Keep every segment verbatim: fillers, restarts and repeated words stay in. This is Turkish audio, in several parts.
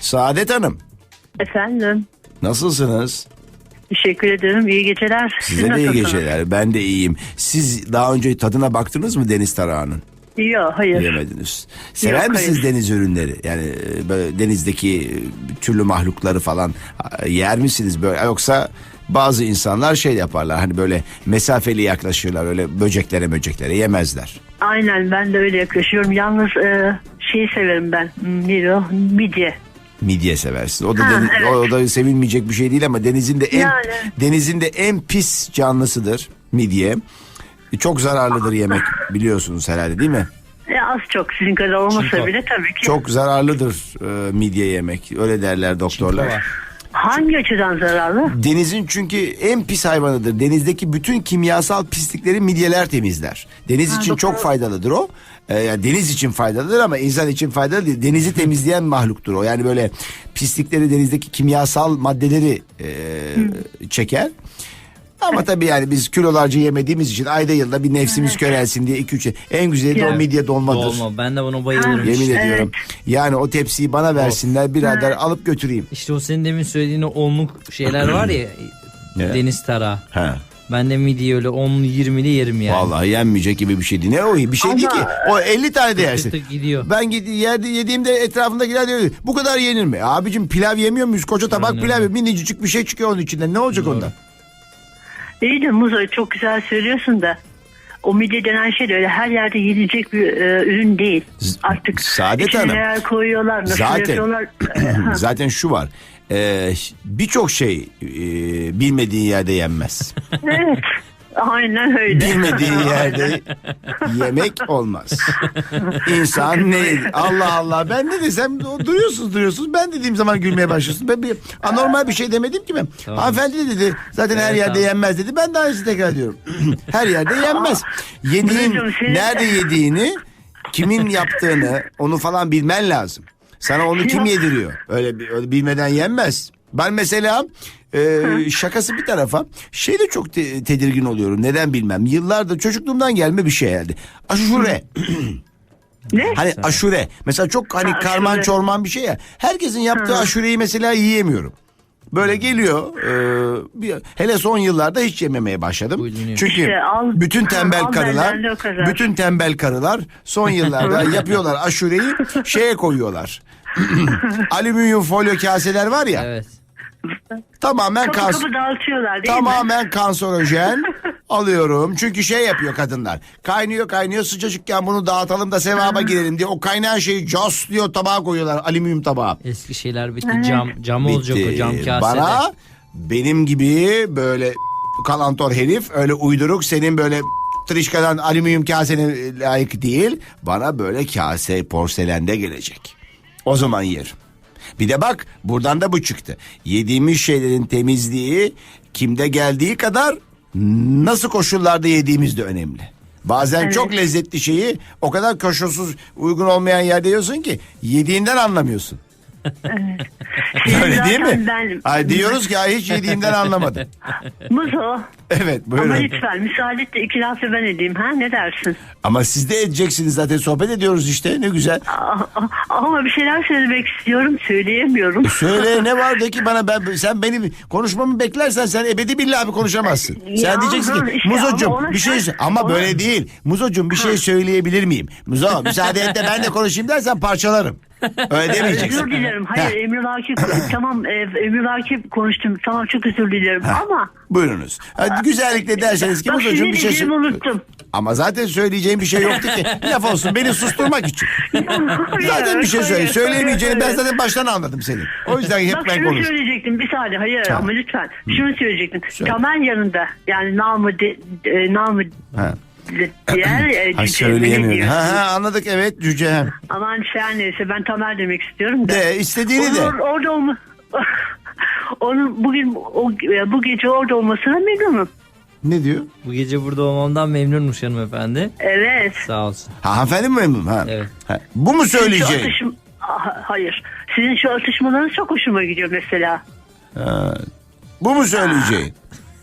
Saadet Hanım. Efendim. Nasılsınız? Teşekkür ederim. İyi geceler. Size de iyi geceler. Ben de iyiyim. Siz daha önce tadına baktınız mı deniz tarağının? Yok, hayır. Yemediniz. Sever Yok, misiniz hayır. deniz ürünleri? Yani böyle denizdeki türlü mahlukları falan yer misiniz böyle? Yoksa bazı insanlar şey yaparlar, hani böyle mesafeli yaklaşırlar, öyle böceklere böceklere yemezler. Aynen, ben de öyle yaklaşıyorum. Yalnız e, şeyi severim ben. Ne o? Midye. Midye seversiniz. O da Ha, deniz, evet. o da sevilmeyecek bir şey değil ama denizin de en Yani. denizin de en pis canlısıdır midye. Çok zararlıdır yemek, biliyorsunuz herhalde, değil mi? E, az çok sizin kadar olmasa Çinko. bile tabii ki. Çok zararlıdır e, midye yemek. Öyle derler doktorlar. Çinko var. Hangi açıdan zararlı? Denizin çünkü en pis hayvanıdır. Denizdeki bütün kimyasal pislikleri midyeler temizler. Deniz Ha, için doğru. çok faydalıdır o. Ee, yani deniz için faydalıdır ama insan için faydalı değil. Denizi temizleyen mahluktur o. Yani böyle pislikleri, denizdeki kimyasal maddeleri e, çeker. Ama tabii yani biz kilolarca yemediğimiz için ayda yılda bir nefsimiz körelsin diye iki üç en güzeli de o Ya. midye dolmadır. Dolma. Ben de buna bayılırım. Ha. Yemin Evet. ediyorum. Yani o tepsiyi bana versinler, birader alıp götüreyim. İşte o senin demin söylediğin o onluk şeyler var ya. Ne? Deniz tarağı. Ha. Ben de midye öyle onlu yirmili yerim yani. Vallahi yenmeyecek gibi bir şey değil. Ne o? Bir şey değil ki. Ama- O elli tane de yersin. Tık tık gidiyor. Ben gidi- yerde yediğimde etrafındakiler diyor, bu kadar yenir mi? Abicim pilav yemiyor muyuz? Koca tabak Aynen pilav, öyle. minicik bir şey çıkıyor onun içinden. Ne olacak Doğru. ondan? İyi de Muzo, çok güzel söylüyorsun da. O midye denen şey de öyle her yerde yenilecek bir e, ürün değil. Artık Saadet içine Hanım. neler koyuyorlar, nasıl Zaten- yapıyorlar. Zaten şu var. Ee, birçok şey e, bilmediğin yerde yenmez. Evet. Aynen öyle. Bilmediğin yerde yemek olmaz. İnsan ne? Allah Allah, ben ne desem o duruyorsunuz duruyorsunuz. Ben dediğim zaman gülmeye başlıyorsunuz. Ben bir anormal bir şey demedim ki ben. Tamam. Hanımefendi de dedi zaten her Evet, yerde tamam. yenmez dedi. Ben de aynısını tekrar diyorum. Her yerde yenmez. Yediğin, Duydum, senin- nerede yediğini, kimin yaptığını, onu falan bilmen lazım. Sana onu kim yediriyor? Öyle, bir- öyle bilmeden yenmez. Ben mesela e, şakası bir tarafa şeyde çok te- tedirgin oluyorum. Neden bilmem. Yıllardır çocukluğumdan gelme bir şey herhalde. Aşure. Ne? Hani aşure. Mesela çok hani Ha, karman aşure. çorman bir şey ya. Herkesin yaptığı aşureyi mesela yiyemiyorum. Böyle geliyor. e, bir, hele son yıllarda hiç yememeye başladım. Buyurun. Çünkü İşte al- bütün tembel al karılar, benden de o kadar. bütün tembel karılar son yıllarda yapıyorlar aşureyi, şeye koyuyorlar. Alüminyum folyo kaseler var ya. Evet. Tamamen Kapı kan, kapı dağıtıyorlar değil mi? tamamen kanserojen alıyorum. Çünkü şey yapıyor kadınlar. Kaynıyor kaynıyor, sıcacıkken bunu dağıtalım da sevaba girelim diye o kaynayan şeyi diyor tabağa koyuyorlar, alüminyum tabağa. Eski şeyler bitti. Cam cam olacak o, cam kasede. Bana benim gibi böyle kalantor herif, öyle uyduruk, senin böyle trişkadan alüminyum kasene layık değil. Bana böyle kase porselende gelecek. O zaman yerim. Bir de bak, buradan da bu çıktı. Yediğimiz şeylerin temizliği kimde geldiği kadar nasıl koşullarda yediğimiz de önemli. Bazen Evet. çok lezzetli şeyi o kadar koşulsuz, uygun olmayan yerde yiyorsun ki yediğinden anlamıyorsun. Senin Öyle değil mi? zaten Ben, Ay diyoruz ki ay hiç yediğimden anlamadım. Muzo. Evet Ama buyurun. lütfen müsaade et de iki lafı ben edeyim, ha, ne dersin? Ama siz de edeceksiniz zaten, sohbet ediyoruz işte, ne güzel. Aa, Ama bir şeyler söylemek istiyorum, söyleyemiyorum. Söyle, ne var de ki bana, ben sen benim konuşmamı beklersen sen ebedi billahi konuşamazsın. Sen Ya, diyeceksin ha, ki işte Muzocuğum ama ona bir şey sen- sö- ama ona- böyle değil. Muzocuğum bir şey söyleyebilir miyim? Muzo müsaade et de ben de konuşayım dersen parçalarım. Öyle demeyeceksin. Özür dilerim. Hayır, Heh. Emre Vakip tamam, e, Emre Vakip konuştum. Tamam, çok özür dilerim ama Buyurunuz. Hadi güzellikle derseniz ki bak, Muzocuğum şimdi bir şey diyeceğimi sö- unuttum. Ama zaten söyleyeceğim bir şey yoktu ki. Laf olsun beni susturmak için. Zaten bir şey söyle. Hayır, Söyleyemeyeceğini ben hayır. zaten baştan anladım senin. O yüzden hep Bak ben şunu konuştum. söyleyecektim bir saniye, hayır Ha. ama lütfen şunu söyleyecektim. Söyle. Tamer yanında, yani namı de, e, namı Ha. de- diğer e, Ha, cüce, ne söyleyemiyorum. diyorsun? Ha, ha, anladık, evet, cüce. Hem. Aman her neyse, ben Tamer demek istiyorum da. De istediğini de. Onun orada olma onun bugün o, bu gece orada olmasına memnunum. Ne diyor? Bu gece burada olmamdan memnunmuş hanımefendi. Evet. Sağ olsun. Ha, hanımefendi mi memnun? Ha. Evet. Ha. Bu mu Şu söyleyeceğin? atışım, Ah, hayır. Sizin şu atışmalarınız çok hoşuma gidiyor mesela. Ha. Bu mu söyleyeceğin?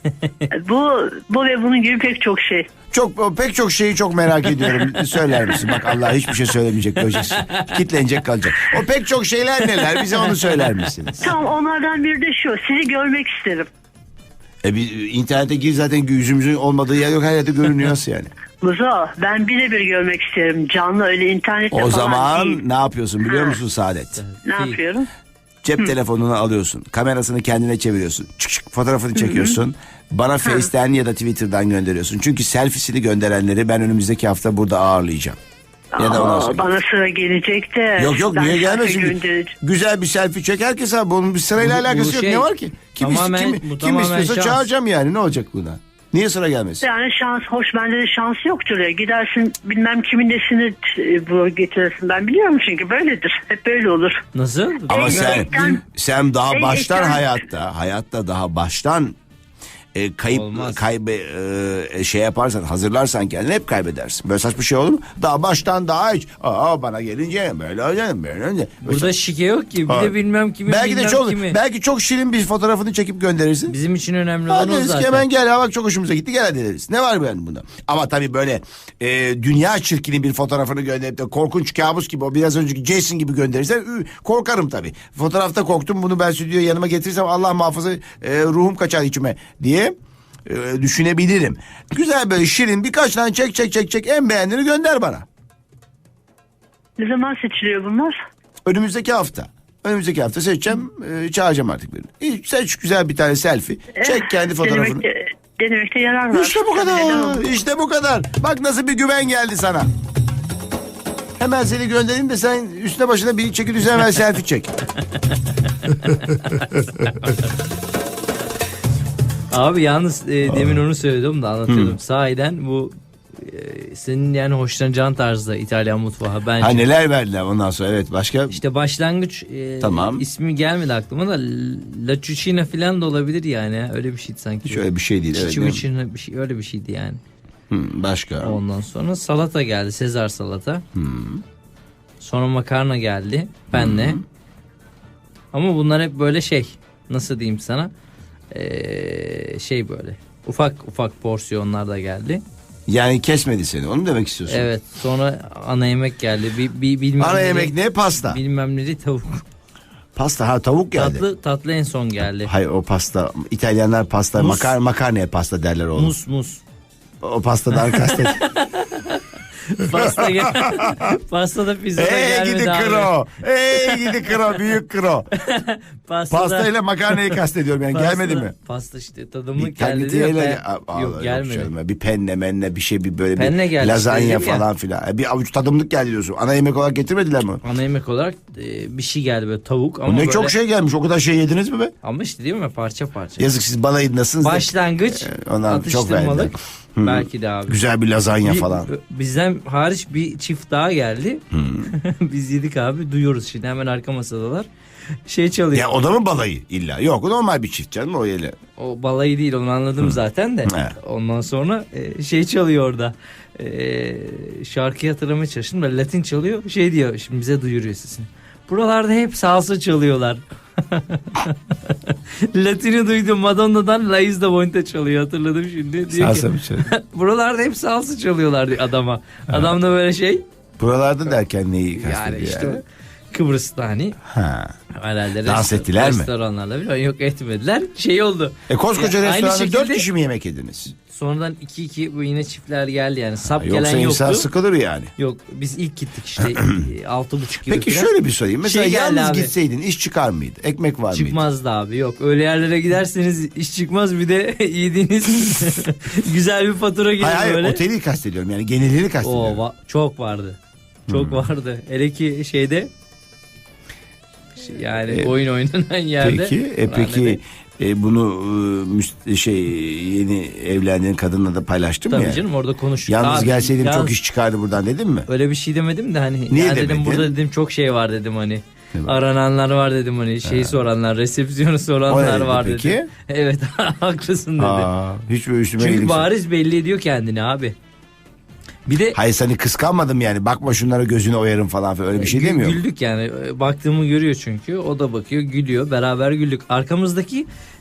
Bu bu ve bunun gibi pek çok şey. Çok pek çok şeyi çok merak ediyorum. Söyler misin? Bak Allah hiçbir şey söylemeyecek kocası. Kitlenecek kalacak. O pek çok şeyler neler? Bize onu söyler misiniz? Tamam, onlardan biri de şu. Sizi görmek isterim. E bir internete gir zaten yüzümüzün olmadığı yer yok, her yerde görünüyor nasıl yani? Muzo, ben birebir görmek isterim. Canlı, öyle internette O falan zaman değil. ne yapıyorsun biliyor Ha. musun Saadet? Ne yapıyorum? Cep telefonunu alıyorsun. Kamerasını kendine çeviriyorsun. Çık çık fotoğrafını çekiyorsun. Bana Face'ten ya da Twitter'dan gönderiyorsun. Çünkü selfiesini gönderenleri ben önümüzdeki hafta burada ağırlayacağım. Ya da ondan Aa, sonra. bana sıra gelecek de. Yok yok ben niye şarkı gelmesin ki? göndereceğim. Güzel bir selfie çek herkes abi. Bunun bir sırayla Bu- bu alakası yok. şey, Ne var ki? Kim, ist- tamamen- kim, bu kim tamamen istiyorsa şans. çağıracağım yani. Ne olacak buna? Niye sıra gelmesin? Yani şans, hoş bende de şans yoktur ya. Gidersin bilmem kimin nesini e, bu getirirsin. Ben biliyorum çünkü böyledir. Hep böyle olur. Nasıl? Ama Ey, sen ekran- sen daha Ey, baştan ekran- hayatta hayatta daha baştan e, kayıp Olmaz. kaybe e, şey yaparsan, hazırlarsan kendini hep kaybedersin. Böyle saçma şey olur mu? Daha baştan daha hiç aa bana gelince böyle olacak böyle olacak. Burada şike yok ki. Bir Ha. de bilmem kimi belki de bilmem çok kimi. belki çok şirin bir fotoğrafını çekip gönderirsin. Bizim için önemli olan Hadi o deriz ki zaten. hemen gel ha bak çok hoşumuza gitti gel hadi deriz. Ne var yani bunda? Ama tabii böyle e, dünya çirkini bir fotoğrafını gönderip de korkunç kabus gibi o biraz önceki Jason gibi gönderirsen ü, korkarım tabii. Fotoğrafta korktum bunu ben stüdyoya yanıma getirirsem Allah muhafaza e, ruhum kaçar içime diye e, düşünebilirim. Güzel böyle şirin birkaç tane çek çek çek çek en beğendiğini gönder bana. Ne zaman seçiliyor bunlar? Önümüzdeki hafta. Önümüzdeki hafta seçeceğim, e, çağıracağım artık birini. E, seç güzel bir tane selfie. Çek kendi fotoğrafını. Denemekte, denemekte yarar var. İşte bu Neden kadar. olmasın? İşte bu kadar. Bak nasıl bir güven geldi sana. Hemen seni göndereyim de sen üstüne başına bir çeki düzen ver selfie çek. Abi yalnız e, demin onu söyledim de anlatıyordum. Sahiden bu e, senin yani hoşlanacağın tarzda İtalyan mutfağı bence. Ha neler verdiler ondan sonra evet başka. İşte başlangıç e, Tamam. ismi gelmedi aklıma da La Cucina falan da olabilir yani. Öyle bir şeydi sanki. Hiç öyle bir şey değil. Evet, değil mi? Cucina bir şey, öyle bir şeydi yani. Hı, başka. Ondan sonra salata geldi. Sezar salata. Sonra makarna geldi. Benle. Ama bunlar hep böyle şey. Nasıl diyeyim sana? Ee, şey böyle. Ufak ufak porsiyonlar da geldi. Yani kesmedi seni onu mu demek istiyorsun? Evet. Sonra ana yemek geldi. Bir, bir, bilmem Ana neli- yemek ne? Pasta. Bilmem neli tavuk. Pasta ha tavuk geldi. Tatlı tatlı en son geldi. Hayır o pasta İtalyanlar pasta Mus. makar makarnaya pasta derler oğlum. Mus mus. O pastadan kastet. Pasta gel. Pasta da pizza da Ey gelmedi gidi abi. kro. Ey gidi kro büyük kro. Pasta Pasta ile makarnayı kastediyorum yani Pasta- gelmedi mi? Pasta işte tadımlık Bir geldi diyor. taklitiyle Ben- yok gelmedi. Bir penne menne bir şey bir böyle Penne bir geldi lazanya işte, dedim falan filan. E, Bir avuç tadımlık geldi diyorsun. Ana yemek olarak getirmediler mi? Ana yemek olarak e, bir şey geldi böyle tavuk ama O ne böyle, çok şey gelmiş. O kadar şey yediniz mi be? ama işte değil mi parça parça. Yazık siz balayındasınız. da. Başlangıç Ee, ondan çok verdiler. atıştırmalık belki de abi. Güzel bir lazanya Bir- falan. Bizden hariç bir çift daha geldi. Biz yedik abi duyuyoruz şimdi hemen arka masadalar. Şey çalıyor. Ya o da mı balayı illa? Yok normal bir çift canım o yeli. O balayı değil onu anladım zaten de. He. Ondan sonra e, şey çalıyor orada. E, şarkıyı hatırlamaya çalıştım da Latin çalıyor. Şey diyor şimdi bize duyuruyor sesini. Buralarda hep salsa çalıyorlar. Latin'i duydum. Madonna'dan La Isla Bonita çalıyor hatırladım şimdi. Diyor Salsa ki, bir şey. buralarda hep salsa çalıyorlar diyor adama. Adam da böyle şey. Buralarda derken neyi kastediyor Yani işte yani? Kıbrıs'ta hani Ha. herhalde Dans rest- ettiler mi? restoranlarla falan yok etmediler. Şey oldu. E koskoca Ya, aynı restoranda dört şekilde- kişi mi yemek yediniz? Sonradan iki iki bu yine çiftler geldi yani. Sap Yoksa gelen insan yoktu. sıkılır yani. Yok biz ilk gittik işte e, altı buçuk gibi Peki falan. şöyle bir sorayım. Mesela Şey geldi yalnız abi. gitseydin iş çıkar mıydı? Ekmek var mıydı? Çıkmazdı abi yok. Öyle yerlere giderseniz iş çıkmaz bir de yediğiniz güzel bir fatura gelir Hayır hayır böyle. oteli kastediyorum yani genelini Oo, kastediyorum. va- çok vardı. Çok vardı. Hele ki şeyde şey, yani E, oyun oynanan yerde. Peki e, peki e, bunu e, müst- şey yeni evlendiğin kadınla da paylaştın mı Tabii yani? canım orada konuştuk. Yalnız Abi, gelseydim çok yalnız- iş çıkardı buradan dedin mi? Öyle bir şey demedim de hani. Niye ya dedim demedin? burada dedim çok şey var dedim hani. Ne var? Arananlar var dedim hani şeyi soranlar, resepsiyonu O ne soranlar dedi var peki? dedim. Evet haklısın dedi. Aa, hiç böyle üstüme Çünkü iyilik- bariz belli ediyor kendini abi. Bir de Hayır seni kıskanmadım yani bakma şunlara gözünü oyarım falan filan öyle bir şey gü- demiyor. güldük yani. Baktığımı görüyor çünkü. O da bakıyor, gülüyor. Beraber güldük. Arkamızdaki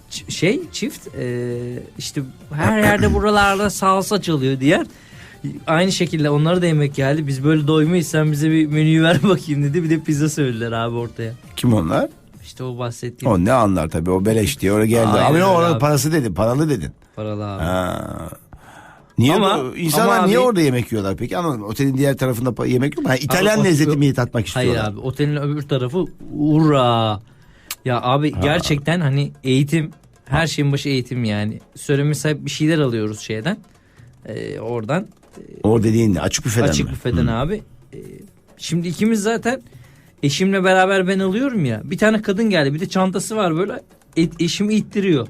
ç- şey çift e, işte her yerde buralarda salsa çalıyor diğer. Aynı şekilde onlara da yemek geldi. Biz böyle doymayız, sen bize bir menüyü ver bakayım dedi. Bir de pizza söylediler abi ortaya. Kim onlar? İşte o bahsettiğim O ne anlar tabii, o beleş diye oraya geldi. Aynen Ama yok, öyle orada abi. parası dedin, paralı dedin. paralı abi. Ha. Niye Ama- bu, insanlar ama niye abi- orada yemek yiyorlar peki? Anlamadım. Otelin diğer tarafında pa- yemek yok mu? Ha, İtalyan Abi, o- lezzeti o- mi tatmak istiyorlar? Hayır abi, otelin öbür tarafı ura. Ya abi gerçekten hani eğitim, her şeyin başı eğitim yani. Söylemesi sahip bir şeyler alıyoruz şeyden. Ee, oradan O dediğin ne? Açık büfeden açık mi? büfeden abi. Ee, şimdi ikimiz zaten eşimle beraber ben alıyorum ya. Bir tane kadın geldi, bir de çantası var böyle. Et, eşimi ittiriyor.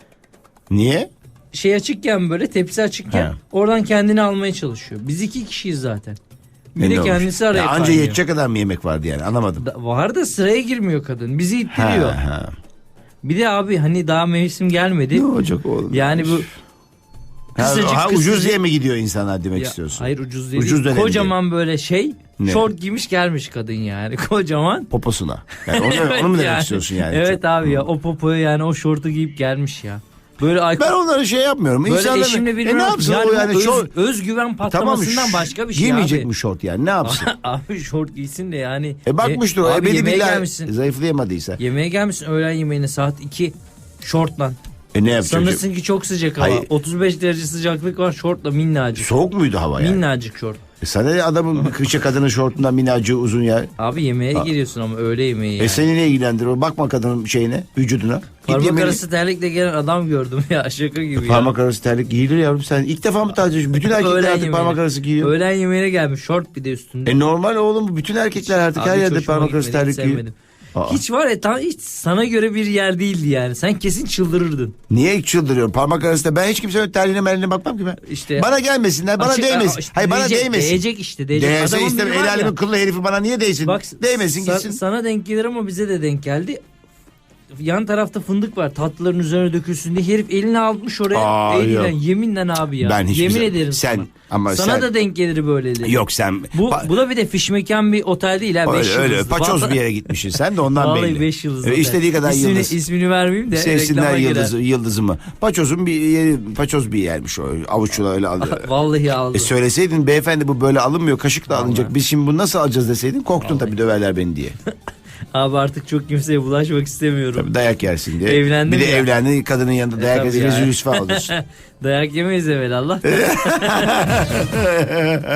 Niye? Şey açıkken, böyle tepsi açıkken He. oradan kendini almaya çalışıyor. Biz iki kişiyiz zaten. Bir Ne de olmuş? kendisi araya Ya anca kaynıyor. yetecek kadar mı yemek vardı yani, anlamadım. Da- Var da sıraya girmiyor kadın. Bizi ittiriyor. Ha, ha. Bir de abi hani daha mevsim gelmedi. Ne olacak oğlum? Yani bu ha, kısacık ha, kısacık- ucuz diye mi gidiyor insanlar demek Ya, istiyorsun? hayır ucuz değil. Ucuz dönem Kocaman böyle şey Ne? şort giymiş gelmiş kadın yani. Kocaman. Poposuna. Yani onu, Evet onu mu demek yani. istiyorsun yani? Evet Çok- abi ya, o popoyu yani o şortu giyip gelmiş ya. Böyle ay- Ben onları şey yapmıyorum. böyle İnsanların- eşimle e birbirine ne yapsın yani o bu yani? öz- şort- özgüven patlamasından Tamam, başka bir şey giymeyecek abi. mi şort yani, ne yapsın? Abi şort giysin de yani. E bakmıştır o. abi Ebedi yemeğe billah gelmişsin. zayıflayamadıysa. Yemeğe gelmişsin öğlen yemeğine saat iki şortla. E ne yapacak? Sanırsın ki çok sıcak hava. Hayır. otuz beş derece sıcaklık var, şortla minnacık. Soğuk muydu hava yani? Minnacık şort. E sana ne adamın kışa kadının şortundan minnacığı uzun ya. Abi yemeğe Ha. giriyorsun ama öğle yemeği yani. E seni ne ilgilendirir o? Bakma kadının şeyine, vücuduna. Git Parmak yemeğini- arası terlikle gelen adam gördüm ya, şaka gibi ya. Parmak arası terlik giyilir yavrum, sen ilk defa mı tercih ediyorsun? Bütün erkekler Öğlen artık yemeğine. parmak arası giyiyor. Öğlen yemeğine gelmiş şort bir de üstünde. E normal oğlum bu, bütün erkekler artık Abi her hiç yerde hoşuma parmak arası gitmedi, hiç terlik giyiyor. sevmedim. Aa. Hiç var ya, tam hiç sana göre bir yer değildi yani. Sen kesin çıldırırdın. Niye çıldırıyorum? Parmak arasında ben hiç kimsenin terliğine merliğine bakmam ki ben. İşte Bana gelmesinler, bana Açık- değmesin. Aa, işte Hayır bana değecek, değmesin. Değecek işte. Değecek. Değse Adamın istemem, biri var el ya, alemin kıllı herifi bana niye değsin? Bak, Değmesin sa- gitsin. Sana denk gelir ama bize de denk geldi. Yan tarafta fındık var, tatlıların üzerine dökülsün diye herif elini almış oraya. Aa, eliyle, yok. yeminle abi ya. Ben hiçbir Yemin zaman- ederim sen- sana. ama sana sen- da denk gelir böyleleri. Yok sen. Bu, Pa- bu da bir de fişmekan bir otel değil ha. beş öyle, öyle yıldızlı. paçoz Vallahi- bir yere gitmişsin. Sen de ondan Vallahi belli. beş yıldızlı E, otel. istediği kadar ismini, yıldız. ismini vermeyeyim de. Sevsinler reklama girer. yıldızı, yıldızımı. Paçozun bir yeri, paçoz bir yermiş o. Avuçla öyle alıyor. Vallahi aldı. E söyleseydin beyefendi bu böyle alınmıyor, kaşıkla alınacak. Biz şimdi bunu nasıl alacağız deseydin, korktun tabii döverler beni diye. Abi artık çok kimseye bulaşmak istemiyorum. Tabii dayak yersin diye. Evlendim bir de ya. evlendin, kadının yanında dayak tabii edince ya. rüsva olursun. Dayak yemeyiz evvel Allah.